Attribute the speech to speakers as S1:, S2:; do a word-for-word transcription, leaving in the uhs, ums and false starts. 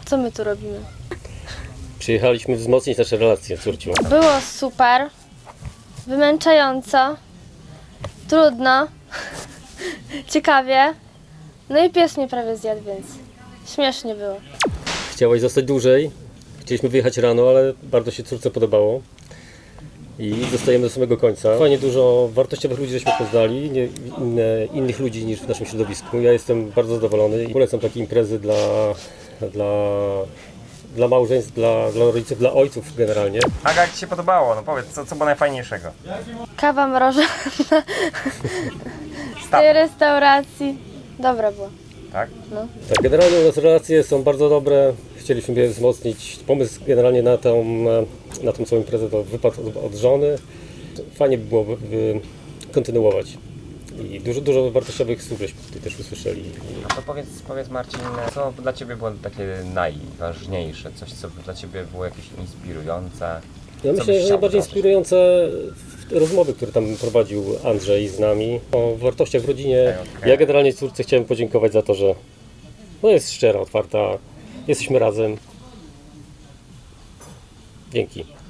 S1: Co my tu robimy?
S2: Przyjechaliśmy wzmocnić nasze relacje, córciu.
S1: Było super, wymęczająco, trudno, ciekawie. No i pies mnie prawie zjadł, więc śmiesznie było.
S2: Chciałaś zostać dłużej. Chcieliśmy wyjechać rano, ale bardzo się córce podobało. I zostajemy do samego końca. Fajnie dużo wartościowych ludzi żeśmy poznali, nie, inne, innych ludzi niż w naszym środowisku. Ja jestem bardzo zadowolony i polecam takie imprezy dla, dla, dla małżeństw, dla, dla rodziców, dla ojców generalnie.
S3: Aga, jak Ci się podobało? No powiedz, co, co było najfajniejszego?
S1: Kawa mrożona z tej restauracji. Dobra była.
S3: Tak?
S1: No.
S2: Tak, generalnie u nas relacje są bardzo dobre. Chcieliśmy je wzmocnić. Pomysł generalnie na tą, na tą całą imprezę to wypadł od, od żony. Fajnie by było by, by kontynuować. I dużo, dużo wartościowych słów żeśmy tutaj też usłyszeli.
S3: No to powiedz, powiedz Marcin, co dla Ciebie było takie najważniejsze? Coś, co dla Ciebie było jakieś inspirujące?
S2: Ja
S3: Co
S2: myślę,
S3: byś
S2: że
S3: chciał
S2: najbardziej
S3: zobaczyć?
S2: inspirujące rozmowy, które tam prowadził Andrzej z nami o wartościach w rodzinie.
S3: Okej, okej.
S2: Ja generalnie córce chciałem podziękować za to, że no jest szczera, otwarta, jesteśmy razem. Dzięki.